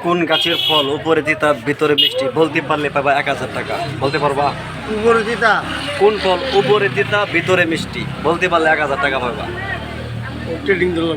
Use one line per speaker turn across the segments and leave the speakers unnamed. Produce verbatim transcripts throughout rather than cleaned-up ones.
কোন গাছের ফল উপরে তিতা ভিতরে মিষ্টি বলতে পারলে পাবা এক হাজার টাকা। বলতে পারবা?
উপরে তিতা।
কোন ফল উপরে তিতা ভিতরে মিষ্টি বলতে পারলে এক হাজার টাকা পাবা।
ট্রেডিং দিল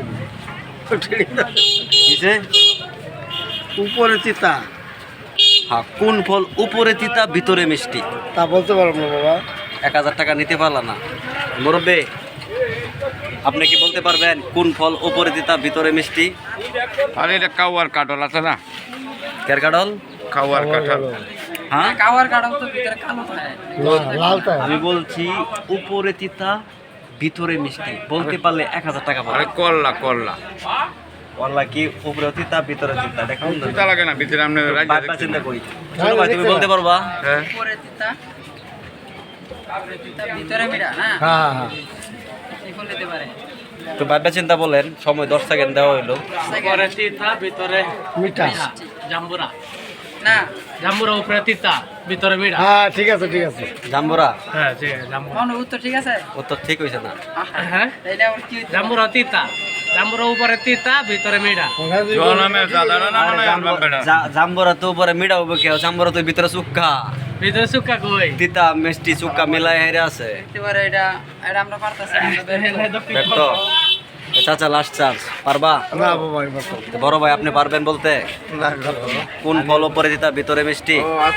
কিসে?
উপরে তিতা।
হ্যাঁ, কোন ফল উপরে তিতা ভিতরে মিষ্টি?
তা বলতে পারবো না বাবা।
এক হাজার টাকা নিতে পারলা না মুরব্বী, আপনি কি বলতে পারবেন কোন ফল উপরে তিতা ভিতরে মিষ্টি?
আরে এটা কাওয়ার কাটল আছে না,
কের কাডল?
কাওয়ার কাঁঠাল।
হ্যাঁ,
কাওয়ার কাটাও তো ভিতরে কালো থাকে।
লালটা।
আমি বলছি উপরে তিতা ভিতরে মিষ্টি বলতে পারলে এক হাজার টাকা
আরে
পাবে।
করলা করলা
বললা কি উপরে তিতা ভিতরে তিতা দেখুন না।
চিন্তা লাগে না ভিতরে আপনি রাজ্য
বাবা চিন্তা করি। ছোট ভাই তুমি বলতে পারবা?
হ্যাঁ
উপরে তিতা, উপরে তিতা, ভিতরে মিঠা না?
হ্যাঁ হ্যাঁ।
এখন নিতে পারে।
তো বাবা চিন্তা বলেন, সময় দশ সেকেন্ড দেওয়া হইলো।
উপরে তিতা ভিতরে
মিঠা।
জাম্বুরা,
না,
জাম্বুরা উপরে তিতা ভিতরে মিঠা।
হ্যাঁ ঠিক আছে ঠিক আছে।
জাম্বুরা?
হ্যাঁ ঠিক আছে, জাম্বুরা।
কোন উত্তর ঠিক আছে?
উত্তর ঠিক হয়েছে না।
হ্যাঁ
এটা আবার কি হইতে পারে?
জাম্বুরা তিতা, জাম্বুরা উপরে তিতা ভিতরে মিঠা।
জনামের দাদারা না
আরে
মানে আলবাম বেড়া
জাম্বুরা- জা- জাম্বুরা তো উপরে মিঠা হবে কেউ, জাম্বুরা তো ভিতরে চুক্কা
ভিতরে শুকা কই?
তিতা মিষ্টি চুক্কা মিলাই হেরে আছে।
হইতে পারে এটা, এটা আমরা পারতাছি না, আমরা বের করবো।
দেখতো চাচা লাস্ট চান্স, পারবা?
না বাবা এবার তো।
তো বড় ভাই আপনি পারবেন বলতে?
না
কোন ফল উপরে তিতা ভিতরে মিষ্টি?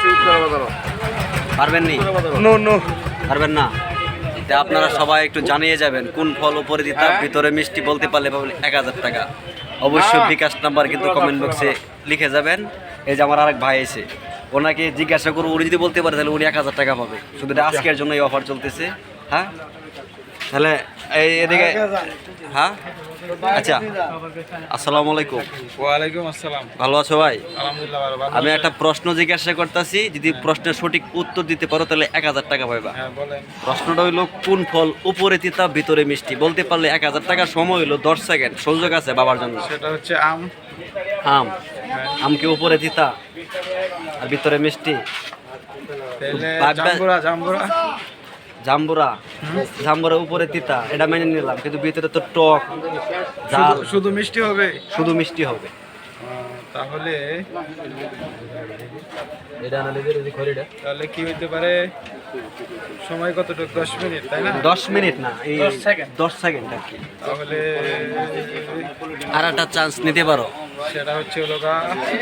পারবেন নি?
No no.
পারবেন না? তা আপনারা সবাই একটু জানিয়ে যাবেন কোন ফল উপরে দিতা ভিতরে মিষ্টি বলতে পারলে পাবেন এক হাজার টাকা। অবশ্যই বিকাশ নাম্বার কিন্তু কমেন্ট বক্সে লিখে যাবেন। এই যে আমার আরেক ভাই এসে, ওনাকে জিজ্ঞাসা করবো, উনি যদি বলতে পারে তাহলে উনি এক হাজার টাকা পাবে। শুধু এটা আজকের জন্য এই অফার চলতেছে। হ্যাঁ তাহলে এই এদিকে, হ্যাঁ আচ্ছা, আসসালামু আলাইকুম।
ওয়ালাইকুম আসসালাম।
ভালো আছো ভাই?
আলহামদুলিল্লাহ ভালো ভালো
আমি একটা প্রশ্ন জিজ্ঞাসা করতেছি, যদি প্রশ্নের সঠিক উত্তর দিতে পারো তাহলে এক হাজার টাকা পাইবা।
হ্যাঁ বলেন।
প্রশ্নটা হইলো কোন ফল উপরে তিতা ভিতরে মিষ্টি বলতে পারলে এক হাজার টাকা। সময় হইলো দশ সেকেন্ড, সুযোগ আছে বাবার জন্য।
সেটা হচ্ছে আম।
আম? আম কি উপরে তিতা আর ভিতরে মিষ্টি?
তাহলে
বাদ-
জাম্বুরা জাম্বুরা
জাম্বুরা? জাম্বুরা উপরে তিতা এটা মেনে নিলাম, কিন্তু ভিতরে তো টক ঝাল,
শুধু- শুধু মিষ্টি হবে।
শুধু মিষ্টি হবে।
আহ, তাহলে
এটা
তাহলে কি হইতে পারে? সময় কতটুকু? দশ মিনিট তাই না?
দশ মিনিট না, এই
দশ সেকেন্ড।
দশ সেকেন্ড আর কি।
তাহলে
আর একটা চান্স নিতে পারো।
সেটা হচ্ছে হলো গা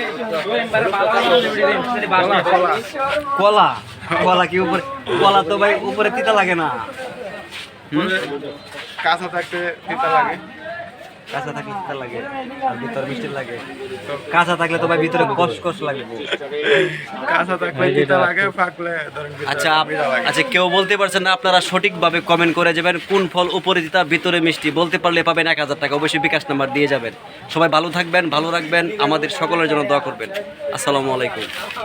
কলা,
কলা।
কলা? কলা কি উপরে? কলা তো ভাই উপরে তিতা লাগে না। হুম?
কাঁচা থাকতে তিতা লাগে।
কাঁচা থাকলে তিতা লাগে আর ভিতরে মিষ্টি লাগে। কাঁচা থাকলে তো ভাই ভিতরে কষ কষ লাগবে।
কাঁচা থাকলে তিতা লাগে, পাকলে ধরেন ভিতরে
আচ্ছা আপ-
মিঠা লাগে।
আচ্ছা, কেউ বলতে পারছেন না, আপনারা সঠিকভাবে কমেন্ট করে যাবেন কোন ফল উপরে তিতা ভিতরে মিষ্টি বলতে পারলে পাবেন এক হাজার টাকা। অবশ্যই বিকাশ নাম্বার দিয়ে যাবেন। সবাই ভালো থাকবেন, ভালো রাখবেন, আমাদের সকলের জন্য দোয়া করবেন। আসসালামু আলাইকুম।